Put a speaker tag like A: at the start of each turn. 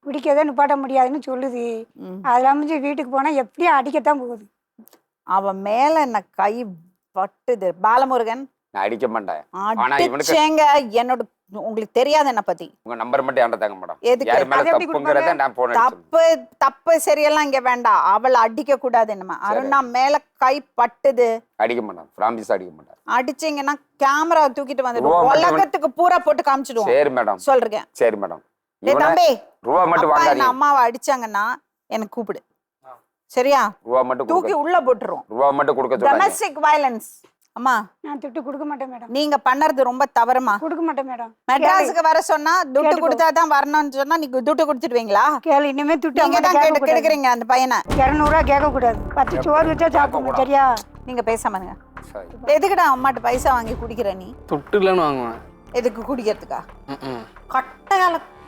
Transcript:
A: குடிக்கதே நிப்பாட்ட முடியாதுன்னு சொல்லுது. அது இல்லாம வீட்டுக்கு போனா எப்படியும் அடிக்கத்தான் போகுது.
B: அவ மேல என்ன கை பட்டுது பாலமுருகன்.
C: நான் அடிக்க மாட்டேன். ஆனா இவனுக்கு
B: அடிச்சேங்க. என்னோட உங்களுக்கு தெரியாது என்ன பத்தி.
C: உங்க நம்பர் மட்டும் என்கிட்ட தாங்க மேடம்.
B: எதுக்கு?
C: யார் மேல
A: அது எப்படி
C: தப்புங்கறத நான் போன்
B: தப்பு தப்பு சரியெல்லாம் இங்க வேண்டாம். அவளை அடிக்க கூடாது. என்னமா அருணா மேல கை பட்டுது.
C: அடிக்க மாட்டேன். பிராமிஸ் அடிக்க மாட்டேன்.
B: அடிச்சீங்கன்னா கேமரா தூக்கிட்டு வந்துடுவோம். உலகத்துக்கு பூரா போட்டு காமிச்சிடுவோம்.
C: சரி மேடம்.
B: சொல்றேன்.
C: சரி மேடம்.
B: டேய் தம்பி,
C: ரூபா மட்டும்
B: அப்பா
C: வாங்காதீங்க.
B: என் அம்மாவை அடிச்சாங்கன்னா எனக்கு கூப்பிடு. சரியா?
C: ரூபா மட்டும்
B: தூக்கி உள்ள போட்டுருவோம்.
C: ரூபா மட்டும் கொடுக்க சொல்றாங்க.
B: Domestic violence. அம்மா
A: நான் துட்டு கொடுக்க மாட்டேன் மேடம்.
B: நீங்க பண்ணறது ரொம்ப தவறுமா.
A: கொடுக்க மாட்டேன் மேடம்.
B: மெட்ராஸுக்கு வர சொன்னா துட்டு கொடுத்தாதான் வரணும்னு சொன்னா நீங்க துட்டு கொடுத்துடுவீங்களா?
A: கேளு, இனிமே துட்டு
B: நீங்க தான் கெடுக்கிறீங்க அந்த பையனை.
A: 200 ரூபா கேட்க கூடாது. 10 சோறு வச்சா சாப்பிடணும். சரியா?
B: நீங்க பேசாம இருங்க.
C: சரி.
B: எதுக்குடா அம்மாட்ட பைசா வாங்கி குடிக்கிற நீ?
D: துட்டு இல்லைன்னு வாங்குவேன்.
B: எதுக்கு குடிக்கிறதுக்கா? கட்ட கால